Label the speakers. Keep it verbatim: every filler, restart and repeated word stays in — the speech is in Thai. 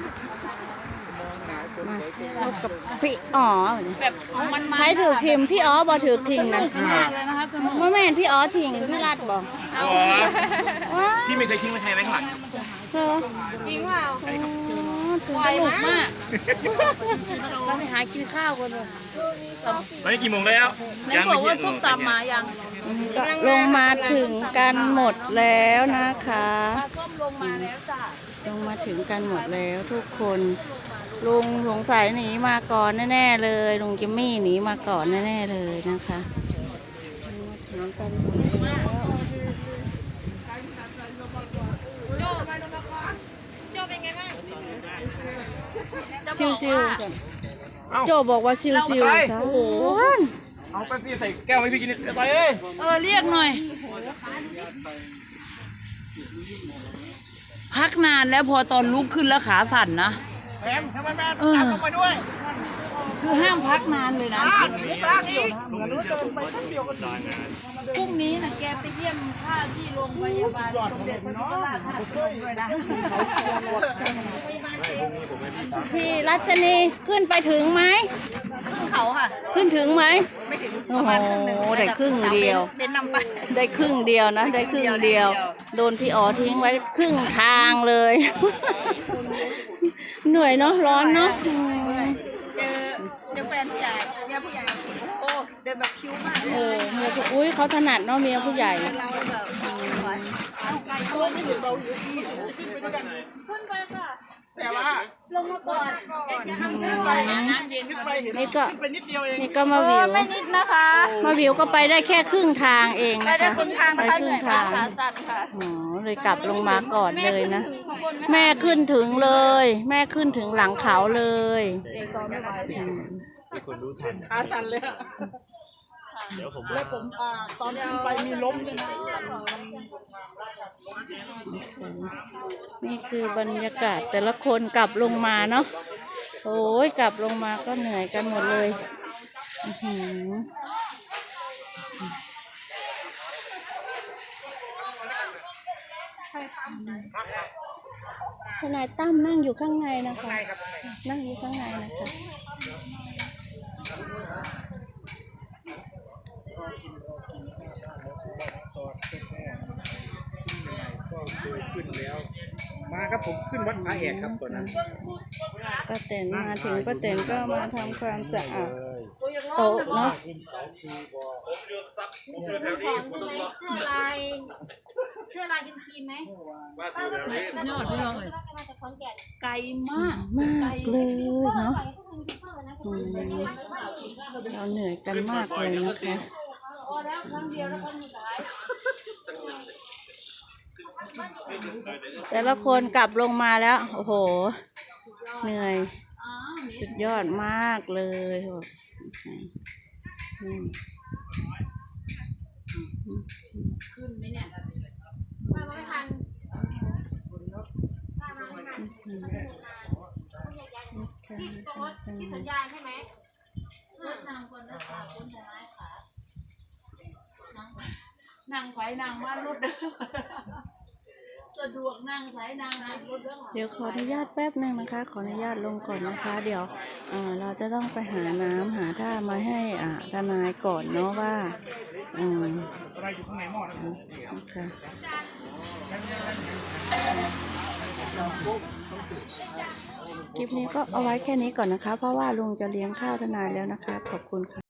Speaker 1: มาพบกับพี่อ๋อ
Speaker 2: แบบมันมา
Speaker 1: ใครถือทิมพี่อ๋อบ่ถือทิงนะ
Speaker 2: มากเลยนะคะสนุก
Speaker 1: เมื่อแม่นพี่อ๋อทิงพี่รัดบอกว้า
Speaker 3: พี่ไม่เคยทิ้งไว้ใครไว้ข้างหลัง
Speaker 1: เหรอ
Speaker 2: จริงเปล่า
Speaker 1: อ๋อถือ
Speaker 2: สนุกมากเราไปหากินข้าวกันเลย
Speaker 3: ตอนนี้กี่โมงแล้ว
Speaker 2: ไหนบอกว่าส้มตำมายัง
Speaker 1: ก็ลงมาถึงกันหมดแล้วนะคะ
Speaker 2: ปลาส้มลงมาแล้วจ้ะ
Speaker 1: ลงมาถึงกันหมดแล้วทุกคนลุงสงสัยหนีมาก่อนแน่ๆเลยลุงจิมมี่หนีมาก่อนแน่ๆเลยนะคะลงมาถึงกันหมดแล้ว
Speaker 2: จะบ
Speaker 1: ชิ
Speaker 2: อ
Speaker 1: ว
Speaker 2: ก
Speaker 1: ชิว
Speaker 2: ว่า
Speaker 1: ๆกันโจบอกว่าชิวชิวๆซะโอ้โห
Speaker 3: เอาแป๊บซี่ใส่แก้วให้พี่กินไปเอ้ย
Speaker 2: เออเรียกหน่อย พักนานแล้วพอตอนลุกขึ้นแล้วขาสั่นนะ
Speaker 3: แอมทำไมแม่
Speaker 2: เออ
Speaker 3: ตามลงมาด้วย
Speaker 2: คือห้ามพักนานเลยนะ
Speaker 3: สร้างอีก
Speaker 2: พรุ่งนี้นะแกไปเยี่ยมท่าที่โรงพยาบาลสมเด็จพระยุพราชท่าตุพนมด้วยนะ
Speaker 1: พี่รัชนีขึ้นไปถึงไหม
Speaker 2: เขาค่ะ
Speaker 1: ขึ้นถึงไหม
Speaker 2: ไม่ถึง
Speaker 1: โอ้โหได้ครึ่งเดียว
Speaker 2: เป็นนำไป
Speaker 1: ได้ครึ่งเดียวนะ ได้ครึ่งเดียว โดนพี่อ๋อทิ้งไว้ครึ่งทางเลย เหนื่อยเนาะร้อนเนาะอืม
Speaker 2: เจอเจอแฟนผู้ใหญ่เมียผู้ใหญ่โอ้เดินแบบคิ้วมาก
Speaker 1: โอ้เมียผู้อุ้ยเขาถนัดเนาะเมียผู้ใหญ่
Speaker 2: เราแบบเอาไก่ตัวนี้เบาอยู่ที่ขึ้นไปค่ะ
Speaker 3: แต่ว่า
Speaker 2: ลงมาก่อนน้ำเย็นไป
Speaker 1: นี่ก็
Speaker 3: ไปนิดเดียวเอง
Speaker 1: นี่ก็มาวิว
Speaker 2: ไม่นิดนะคะ
Speaker 1: มาวิวก็ไปได้แค่ครึ่งทางเอง
Speaker 2: ไป
Speaker 1: นะ
Speaker 2: ได้
Speaker 1: คะ
Speaker 2: คนทาง
Speaker 1: ไป
Speaker 2: นะคะ
Speaker 1: ค
Speaker 2: เห
Speaker 1: รึ่
Speaker 2: นื่
Speaker 1: ง
Speaker 2: อยมา
Speaker 1: ทาก ง
Speaker 2: ขาสั่นค่ะ
Speaker 1: อ๋อเลยกลับลงมาก่อนเลยนะ แม่ขึ้นถึงเลย แม่ขึ้นถึงหลังเขาเลยอืม
Speaker 3: ขาสั่นเลยอะแล้วผมอ่าตอนขึ้นไปมีล้มด้วยนะ
Speaker 1: นี่คือบรรยากาศแต่ละคนกลับลงมาเนาะโอ้ยกลับลงมาก็เหนื่อยกันหมดเลยอื้อหือทนายตั้มนั่งอยู่ข้างในนะคะ นั่งอยู่ข้างในนะคะ
Speaker 3: ขึ้นแล้ว มาครับผมขึ้นวัดพระแอกครับตอนนั้น
Speaker 1: ป้าแตนมาถึงป้าแตนก็มาทำความสะอาดโต๊ะเนาะ
Speaker 4: เสื้อลายเสื้อลายกินครีมไหม
Speaker 2: สุดยอดพี่น้องเลย
Speaker 4: มาจากขอนแก่น
Speaker 2: ไกลมาก
Speaker 1: มากเลยเนาะ
Speaker 4: ไปทุกคนยูทูบเบอร์นะ
Speaker 1: อืมเราเหนื่อยกันมากเลยนะคะ
Speaker 4: พอแล้วครั้งเดียวแล้วครั้งสุดท้าย
Speaker 1: แต่ละคนกลับลงมาแล้ว โอ้โห เหนื่อย สุดยอดมากเลยแบบอืม
Speaker 2: ขึ้นไหมเนี่ย
Speaker 4: มาไม่ทันมาไม่ทันที่ตรงรถที่สัญญาณใช่ไหมเสื้อนางคนเลือกขาคนแต่ไม้ขา
Speaker 2: นั่งไฟนั่งมารถเด้อสะดวกนั่งสายนั่งนั่งรถเด้อ
Speaker 1: เดี๋ยวขออนุญาตแป๊บหนึ่งนะคะ ขออนุญาตลงก่อนนะคะ เดี๋ยวเอ่อเราจะต้องไปหาน้ำหาท่ามาให้อ่าทนายก่อนเนาะว่าอืม
Speaker 3: อะไรอยู่ข้างในหม้อนะ
Speaker 1: นะคะคลิปนี้ก็เอาไว้แค่นี้ก่อนนะคะ เพราะว่าลุงจะเลี้ยงข้าวทนายแล้วนะคะ ขอบคุณค่ะ